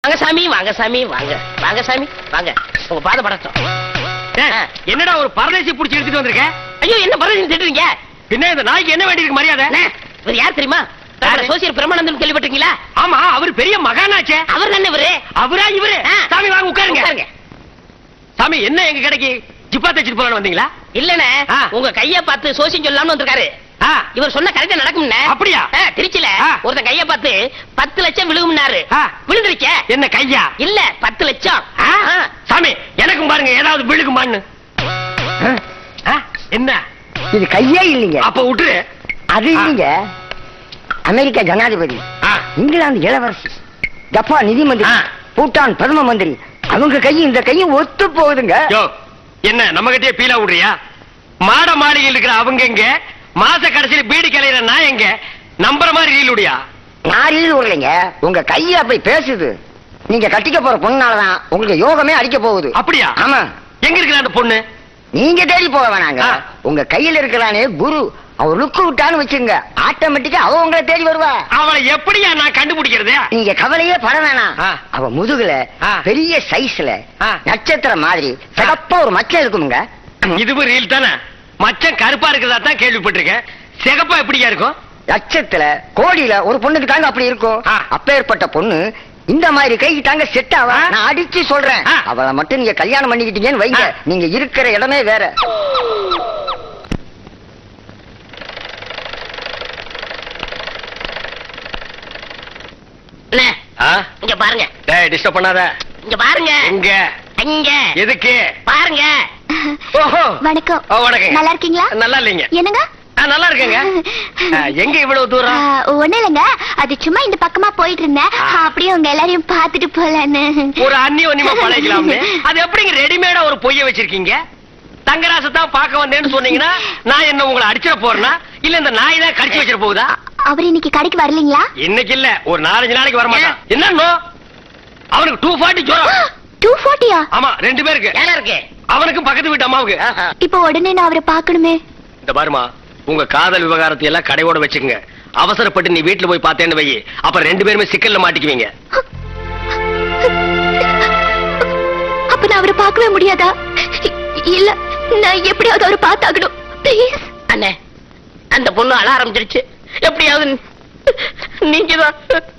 வாங்க சாமி, வாங்க சாமி, வாங்க வாங்க சாமி, வாங்க. உங்க பாத படட்டும். என்னடா ஒரு பரதேசி புடிச்சு எடுத்துட்டு வந்திருக்க? ஐயோ, என்ன பரதேசி திட்டுறீங்க? பின்ன இந்த நாய்க்கு என்ன வேண்டி இருக்கு மரியாதை? இவர் யார் தெரியுமா? சோசியல் பிரமானந்தம் கேள்விப்பட்டிருக்கீங்களா? ஆமா, அவர் பெரிய மகானாச்சே. அவர் தானே இவரு? அவரா இவரு? சாமி வாங்க உட்காருங்க. சாமி, என்ன எங்க கடைக்கு ஜிப்பா தச்சிட்டு போறான்னு வந்தீங்களா? இல்லனே, உங்க கைய பார்த்து சோசியம் சொல்லலாம்னு வந்திருக்காரு. இவர் சொன்ன கரெக்டா நடக்கும்னே. அப்படியா? திருச்சில ஒருத்தன் கைய பார்த்து 10 லட்சம் விழுகும்னாரு. விழுந்துருச்ச? என்ன கையா? இல்ல, 10 லட்சம். சாமி, எனக்கும் பாருங்க ஏதாவது விழுகுமான்னு. என்ன இது கையே இல்லைங்க. அப்ப விட்டுரு. அது இல்லைங்க. அமெரிக்கா ஜனாதிபதி, இங்கிலாந்து இளவரசி, ஜப்பான் நிதி மந்திரி, பூட்டான் பிரதம மந்திரி, அவங்க கையும் இந்த கையும் ஒத்து போகுதுங்க. என்ன நம்ம கிட்டே பீலா விடுறியா? மாட மாளிகையில் இருக்கிற அவங்க எங்க? மாச கடைசியில பீடி கலையிற நான் எங்க? நம்புற மாதிரி ரீல் விடியா? நான் ரீல் விடலைங்க, உங்க கைய அப்படி பேசுது. நீங்க கட்டிக்க போற பொண்ணாலதான் உங்களுக்கு யோகமே அடிக்க போகுது. அப்படியா? ஆமா. எங்க இருக்கிற அந்த பொண்ணு? நீங்க தேடி போக வேணாங்க. உங்க கையில இருக்கிறானே குரு, அவர் லுக்கு விட்டான்னு வச்சுங்க, ஆட்டோமேட்டிக்கா அவ உங்களை தேடி வருவா. அவளை எப்படியா நான் கண்டுபிடிக்கிறது? நீங்க கவலையே பட வேணாம். அவ முதுகுல பெரிய சைஸ்ல நட்சத்திரம் மாதிரி சிகப்பா ஒரு மச்சம் இருக்குமுங்க. இதுவும் ரீல் தானே? மச்சம் கருப்பா இருக்கிறதா தான் கேள்விப்பட்டிருக்கேன். சிகப்பா எப்படியா இருக்கும்? லட்சத்துல கோடியில ஒரு பொண்ணுக்கு தாங்க அப்படி இருக்கும். அப்பேற்பட்ட பொண்ணு இந்த மாதிரி கைக்கு தாங்க செட் ஆவா. நான் அடிச்சு சொல்றேன், அவளை மட்டும் நீங்க கல்யாணம் பண்ணிக்கிட்டீங்கன்னு வைங்க, நீங்க இருக்கிற இடமே வேற. இங்க பாருங்க. டிஸ்டர்ப் பண்ணாத. இங்க பாருங்க. இங்க இங்க எதுக்கு பாருங்க. ஓஹோ, வணக்கம். வணக்கம். நல்லா இருக்கீங்களா? நல்லா இல்லைங்க. என்னங்க? நல்லா இருக்கேங்க. எங்க இவ்வளவு தூரம்? ஒண்ணு இல்லைங்க, அது சும்மா இந்த பக்கமா போயிட்டு இருந்தேன், அப்படியே உங்க எல்லாரையும் பாத்துட்டு போலான்னு. ஒரு அந்நியமா பழகலாம்னு. அது எப்படிங்க ரெடிமேடா ஒரு பொய்ய வச்சிருக்கீங்க? தங்கராசத்தான் பார்க்க வந்தேன்னு சொன்னீங்கன்னா நான் என்ன உங்களை அடிச்சிட போறேனா இல்ல இந்த நாய் தான் கடிச்சு வச்சிட போகுதா? அவர் இன்னைக்கு கடைக்கு வரலீங்களா? இன்னைக்கு இல்ல, ஒரு 4-5 நாளைக்கு வர மாட்டான். என்னன்னோ அவனுக்கு 240 ஜுரம். 240? ஆமா, 2 பேருக்கு. ஏல இருக்கு. அவனுக்கு பக்கத்து வீட்டு அம்மாவுக்கு. இப்போ உடனே நான் அவரை பார்க்கணுமே. இந்த பாருமா, உங்க காதல் விவகாரத்தை எல்லாம் கடையோட வச்சுக்கங்க. அவசரப்பட்டு நீ வீட்டுல போய் பார்த்தேன்னு வை, அப்புறம் 2 பேருமே சிக்கல்ல மாட்டிக்குவீங்க. அப்ப நான் அவரை பார்க்கவே முடியாதா? இல்ல, நான் எப்படியாவது அவரை பார்த்தாகணும். ப்ளீஸ் அண்ணே, அந்த பொண்ணு அழ ஆரம்பிச்சிருச்சு. எப்படியாவது நீங்க தான்.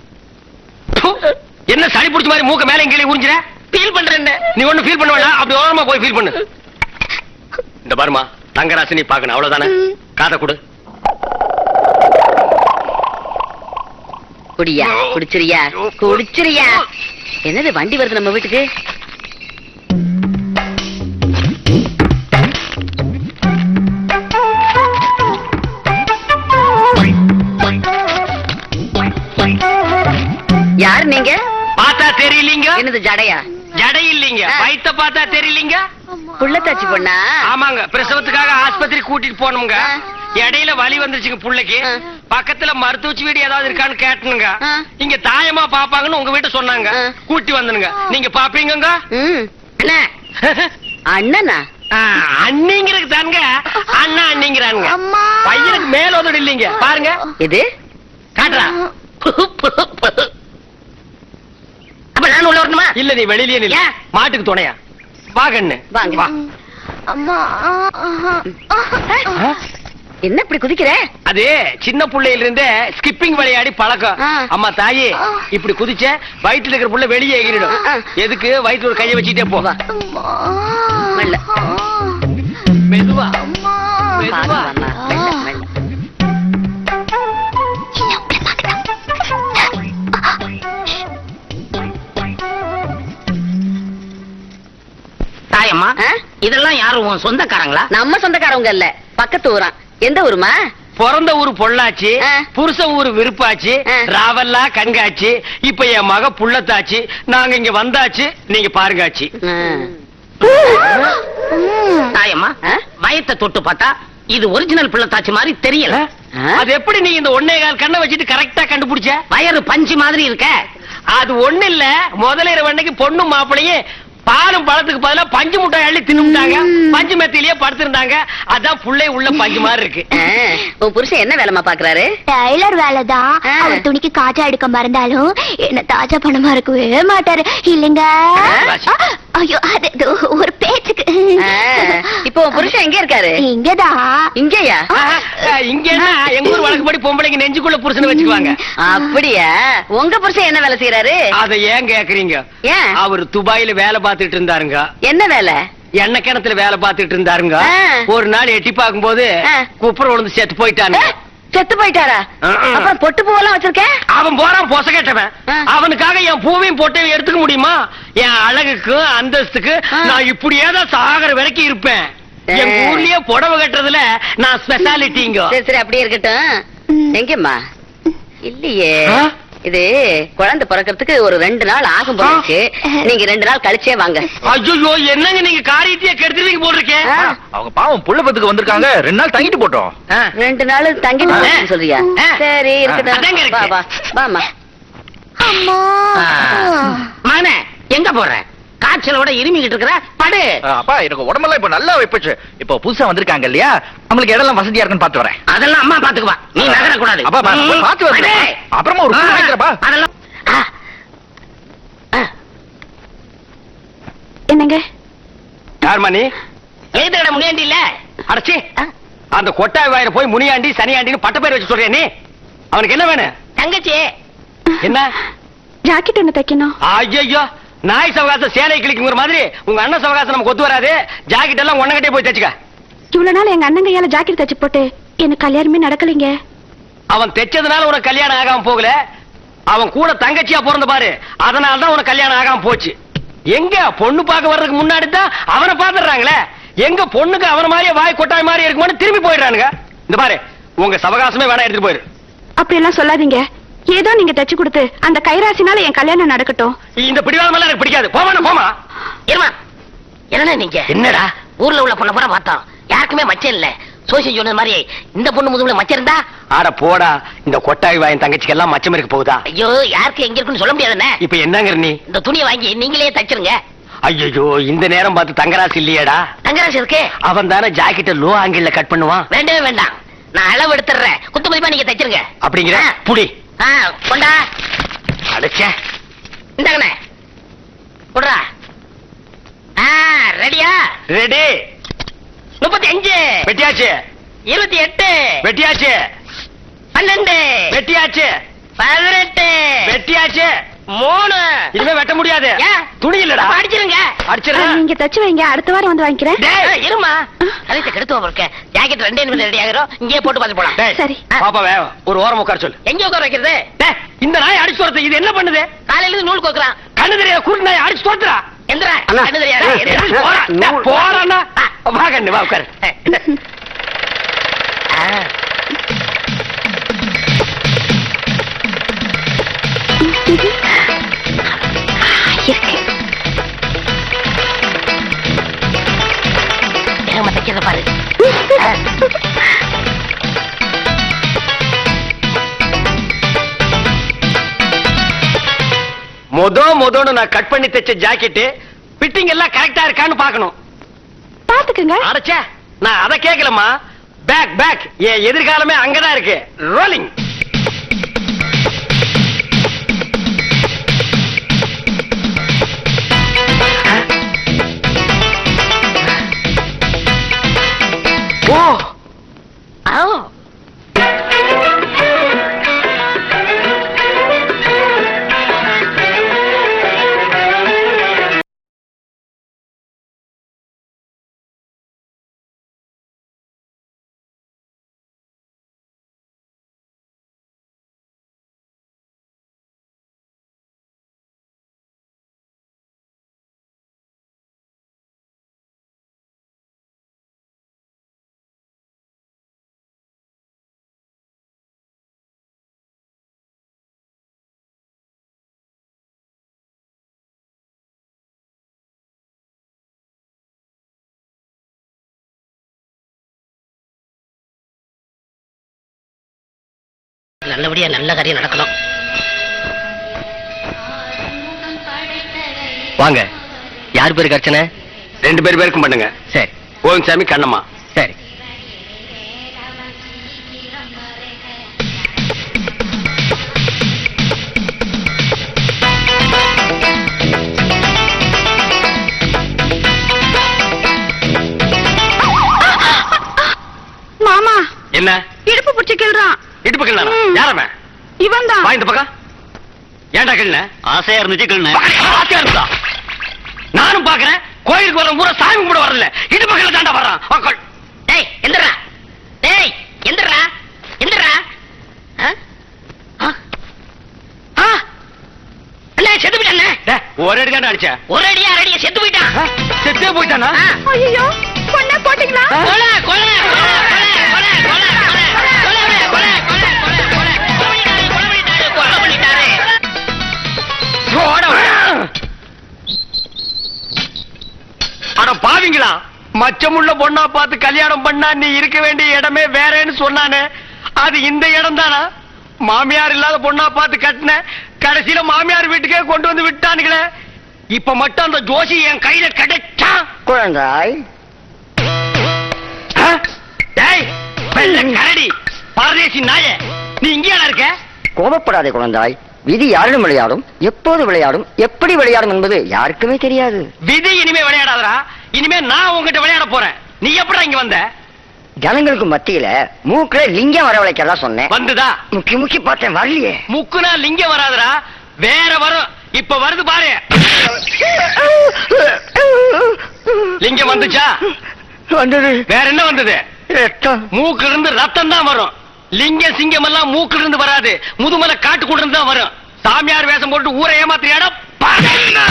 என்ன சளி பிடிச்ச மாதிரி மூக்க மேல கீழே உறிஞ்சிர? ஃபீல் பண்றேன். நீ ஒண்ணு ஃபீல் பண்ண வேண்டாம், அப்படி ஓரமா போய் ஃபீல் பண்ணு. இந்த பாருமா, தங்கராசி நீ பாக்கணும், அவ்வளவுதானே. காதை கொடு. குடியா, குடிச்சிரியா, குடிச்சிரியா. என்னது வண்டி வருது நம்ம வீட்டுக்கு? யார் நீங்க? பார்த்தா தெரியலீங்க. என்னது ஜடையா? ஜடை இல்லீங்க, வயித்த பார்த்தா தெரியலீங்க. புள்ளத்தாச்சி பொண்ணா? ஆமாங்க, பிரசவத்துக்காக ஆஸ்பத்திரி கூட்டிட்டு போனோம்ங்க. இடையில வலி வந்துருச்சுங்க புள்ளைக்கு. பக்கத்துல மருத்துவச்சி வீடு ஏதாவது இருக்கான்னு கேட்டனுங்க. இங்க தாயமா பாப்பாங்கன்னு உங்க வீட்டு சொன்னாங்க. கூட்டி வந்தனுங்க. நீங்க பாப்பீங்க? அண்ணா அண்ணனா? அண்ணிங்கிறது தாங்க அண்ணா அண்ணிங்கிறானுங்க. பையனுக்கு மேல உதடு இல்லீங்க, பாருங்க. இது காட்டுறா. அப்ப நான் உள்ள வரணுமா? இல்ல, நீ வெளியிலே நில்ல. மாட்டுக்கு துணையா வா கண்ணு. வாங்க. வா. அம்மா, என்ன இப்படி குதிக்கிற? அது சின்ன புள்ளையில இருந்தே ஸ்கிப்பிங் விளையாடி பழக்கம். அம்மா தாயே, இப்படி குதிச்ச வயிற்றுல இருக்கிற புள்ள வெளியே எகிரிடும். எதுக்கு? வயிற்றுல ஒரு கையை வச்சுட்டே போ. மெல்ல. மெதுவா மெதுவா. தாயம்மா, இதெல்லாம் யாரும் உன் சொந்தக்காரங்களா? நம்ம சொந்தக்காரவங்க இல்ல, பக்கத்து ஊரா. எந்த ஊருமா? பிறந்த ஊரு பொள்ளாச்சி, புருஷ ஊரு விருப்பாச்சு, ராவல்லா கண்காட்சி. இப்ப என் மக புள்ளத்தாச்சு. நாங்க இங்க வந்தாச்சு, நீங்க பாருங்காச்சு. தாயம்மா, வயத்தை தொட்டு பார்த்தா இது ஒரிஜினல் புள்ளத்தாச்சி மாதிரி தெரியல. அது எப்படி நீ இந்த 1.25 கண்ணை வச்சுட்டு கரெக்டா கண்டுபிடிச்ச? வயறு பஞ்சு மாதிரி இருக்க. அது ஒண்ணு இல்ல, முதலிரவு அன்னைக்கு பொண்ணு மாப்பிளையே பாலும் பழத்துக்கு பதிலா பஞ்சு முட்டாய் அள்ளி தின்னுட்டாங்க. பஞ்சு மெத்திலேயே படுத்திருந்தாங்க. அதான் புள்ளை உள்ள பஞ்சு மாதிரி இருக்கு. உன் புருஷன் என்ன வேலைமா பாக்குறாரு? டைலர் வேலைதான். அவர் துணிக்கு காஜா எடுக்க மறந்தாலும் என்ன தாஜா பணமா இருக்கவே மாட்டாரு இல்லைங்க. ஐயோ அது ஒரு பேச்சுக்கு. இப்போ உன் புருஷன் எங்க இருக்காரு? இங்கதான். இங்கயா? இங்கன்னா எங்க ஊர் வழக்கப்படி பொம்பளைங்க நெஞ்சுக்குள்ள புருஷனை வச்சுக்குவாங்க. அப்படியா? உங்க புருஷன் என்ன வேலை செய்யறாரு? அத ஏன் கேக்குறீங்க? ஏன்? அவர் துபாயில வேலை பார்த்துட்டு இருந்தாருங்க. என்ன வேலை? எண்ணெய் கிணத்துல வேலை பார்த்துட்டு இருந்தாருங்க. ஒரு நாள் எட்டி பார்க்கும் போது குப்புற விழுந்து செத்து போயிட்டாங்க. செத்து போயிட்டாரா? அப்புறம் பொட்டு பூவெல்லாம் வச்சிருக்கேன். அவன் போறான் பொச கேட்டவன். அவனுக்காக என் பூவையும் பொட்டையும் எடுத்துக்க முடியுமா? என் அழகுக்கு அந்தஸ்துக்கு நான் இப்படியேதான் சாகர வரைக்கும் இருப்பேன். எங்க ஊர்லயே புடவை கட்டுறதுல நான் ஸ்பெஷாலிட்டிங்க. சரி சரி அப்படியே இருக்கட்டும். எங்கம்மா? இல்லையே. இது குழந்தை பிறக்கிறதுக்கு ஒரு 2 நாள் ஆகும் போல இருக்கு. நீங்க 2 நாள் கழிச்சே வாங்க. ஐயோ என்னங்க நீங்க காரியத்தையே கெடுத்துவீங்க போட்டிருக்கேன். அவங்க பாவம் புள்ள பத்துக்கு வந்திருக்காங்க. 2 நாள் தங்கிட்டு போட்டோம். 2 நாள் தங்கிட்டு சொல்றியா? சரி இருக்கட்டும். வா வா வாமா. அம்மா மகனே எங்க போற? காய்ச்சலோட இருமிக்கிட்டு இருக்கிற படு. அப்பா எனக்கு உடம்பெல்லாம் இப்ப நல்லா வைப்பச்சு. இப்ப புதுசா வந்திருக்காங்க இல்லையா, அவங்களுக்கு இடம்லாம் வசதியா இருக்குன்னு பாத்து வரேன். அதெல்லாம் அம்மா பாத்துக்குவா, நீ நகர கூடாது. அப்பா பாத்து வரேன். அப்புறமா ஒரு பூ வாங்கிக்கிறப்பா. அதெல்லாம் என்னங்க? யார் மணி? எழுதுகிட முனியாண்டி இல்ல? அடச்சி அந்த கொட்டாய் வாயில போய் முனியாண்டி சனியாண்டின்னு பட்ட பேர் வச்சு சொல்றியா நீ? அவனுக்கு என்ன வேணும்? தங்கச்சி என்ன ஜாக்கெட் ஒண்ணு தைக்கணும். ஐயோ நாய் சவகாசம் சேலை கிளிக்குங்கிற மாதிரி உங்க அண்ணன் சவகாசம் நமக்கு ஒத்து வராது. ஜாக்கெட் எல்லாம் ஒன்னகிட்டே போய் தச்சுக்க. இவ்வளவு நாள் எங்க அண்ணன் கையால ஜாக்கெட் தச்சு போட்டு எனக்கு கல்யாணமே நடக்கலைங்க. அவன் தைச்சதுனால உனக்கு கல்யாணம் ஆகாம போகல. அவன் கூட தங்கச்சியா பிறந்த பாரு, அதனாலதான் உனக்கு கல்யாணம் ஆகாம போச்சு. எங்க பொண்ணு பார்க்க வர்றதுக்கு முன்னாடி தான் அவனை பாத்துறாங்களே. எங்க பொண்ணுக்கு அவன மாதிரியே வாய் கொட்டாய் மாதிரி இருக்குமான்னு திரும்பி போயிடுறானுங்க. இந்த பாரு உங்க சவகாசமே வேணா எடுத்துட்டு போயிரு. அப்படி எல்லாம் சொல்லாதீங்க. ஏதோ நீங்க தச்சு கொடுத்து அந்த கைராசினால என் கல்யாணம் நடக்கட்டும். இந்த பிடிவாதம் எல்லாம் எனக்கு பிடிக்காது. போமா போமா. இருமா. என்ன நீங்க என்னடா ஊர்ல உள்ள பொண்ணை பூரா பார்த்தோம், யாருக்குமே மச்சம் இல்ல. சோசியம் சொன்னது மாதிரி இந்த பொண்ணு முதுகுல மச்சம் இருந்தா? ஆட போடா, இந்த கொட்டாய் வாயின் தங்கச்சிக்கு எல்லாம் மச்சம் இருக்க போகுதா? ஐயோ யாருக்கு எங்க இருக்குன்னு சொல்ல முடியாதுண்ணே. இப்ப என்னங்கிற நீ? இந்த துணியை வாங்கி நீங்களே தச்சிருங்க. ஐயோ இந்த நேரம் பார்த்து தங்கராசி இல்லையேடா. தங்கராசி இருக்கு. அவன் தானே ஜாக்கெட்ட லோ ஆங்கிள் கட் பண்ணுவான். வேண்டவே வேண்டாம், நான் அளவு எடுத்துறேன். குத்து மதிப்பா நீங்க தச்சிருங்க. அப்படிங்கிற புடி கொண்டா அடைச்ச. இந்தாங்கண்ணே குடுறா. ரெடியா? ரெடி. 35 வெட்டியாச்சு. 28 வெட்டியாச்சு. 12 வெட்டியாச்சு. 18 வெட்டியாச்சு. 3 இனிமே வெட்ட முடியாது. துணி இல்லடா. அடிச்சிருங்க. அடிச்சிருங்க. நீங்க தச்சு வைங்க, அடுத்த வாரம் வந்து வாங்கிக்கிறேன். இருமா, கழுத்தை கெடுத்து இருக்க. ஜாக்கெட் 2 நிமிஷம் ரெடி ஆகிறோம். இங்கேயே போட்டு பார்த்து போலாம். சரி. பாப்பாவே ஒரு ஓரம் உட்கார சொல்லு. எங்க உட்கார வைக்கிறது? இந்த நாய் அடிச்சு துரத்து. இது என்ன பண்ணுது? காலையில இருந்து நூல் கோக்குறான். கண்ணு தெரியாத குருட்டு நாய் அடிச்சு துரத்துறா. எந்திரா. அண்ணா. கண்ணு தெரியாதா? போறா. வா கண்ணு வா உட்காரு. ஏமா தைக்கிறத பாரு. மொதன்னு நான் கட் பண்ணி தைச்ச ஜாக்கெட் ஃபிட்டிங் எல்லாம் கரெக்டா இருக்கான்னு பார்க்கணும். பாத்துக்கங்க. அடச்சே, நான் அத கேக்கலமா. பேக் பேக் என் எதிர்காலமே அங்கதான் இருக்கு. ரோலிங். ஓ நல்லபடியா நல்ல காரியம் நடக்கணும். வாங்க. யார் பேருக்கு அர்ச்சனை? 2 பேருக்கும் பண்ணுங்க. சரி. கோவிந்தசாமி, கண்ணம்மா. சரி. மாமா என்ன இடுப்பு பிடிச்சு கிள்றான். இடுப்பு கிள்ளனா? யாரமே? இவன் தான். வா இந்த பக்கம். ஏன்டா கிள்ளன? ஆசையா இருந்துச்சு கிள்ளன. ஆசையா இருந்தா நானும் பாக்குறேன். கோயிலுக்கு வர பூரா சாமி கும்பிட வரல, இடுப்பு கிள்ள தாண்டா வர்றான். டேய் எந்திரா, டேய் எந்திரா, எந்திரா. அண்ணே செத்து போயிட்டானே. ஒரு அடி தாண்டா அடிச்ச. ஒரு அடியா அடியா செத்து போயிட்டான். செத்தே போயிட்டானா? ஐயோ கொன்ன போட்டீங்களா? கொலை கொலை கொலை கொலை கொலை கொலை கொலை கொலை கொலை கொலை கொலை பண்ணிட்டாரு. அட பாவிங்களா, மச்சமுள்ள பொண்ணா பார்த்து கல்யாணம் பண்ணா நீ இருக்க வேண்டிய இடமே வேறேன்னு சொன்னானே, அது இந்த இடம் தானா? மாமியார் இல்லாத பொண்ணா பார்த்து கட்டின, கடைசியில மாமியார் வீட்டுக்கே கொண்டு வந்து விட்டானுங்களே. இப்ப மட்டும் அந்த ஜோசி என் கையில கிடைச்சா. குழந்தாய், டேய் வெள்ளை கரடி பரதேசி நாயே, நீ இங்கேயா இருக்க? கோபப்படாதே குழந்தாய். விதி யாரிடம் விளையாடும், எப்போது விளையாடும், எப்படி விளையாடும் என்பது யாருக்குமே தெரியாது. விதி இனிமே விளையாடாதடா. இனிமே நான் உங்ககிட்ட விளையாட போறேன். நீ எப்படா இங்க வந்த? ஜனங்களுக்கு மத்தியில மூக்குல லிங்கம் வரவழைக்கிறதா சொன்னேன். வந்துதா? முக்கி முக்கி பார்த்தேன், வரலையே. முக்குனா லிங்கம் வராதுடா, வேற வரும். இப்ப வருது பாரு. லிங்கம் வந்துச்சா? வந்தது. வேற என்ன வந்தது? ரத்தம். மூக்குல இருந்து ரத்தம் தான் வரும். லிங்கம் சிங்கம் எல்லாம் மூக்குல இருந்து வராது, முதுமலை காட்டுக்குள்ள இருந்து தான் வரும். சாமியார் வேஷம் போட்டு ஊரை ஏமாத்திரியாடா.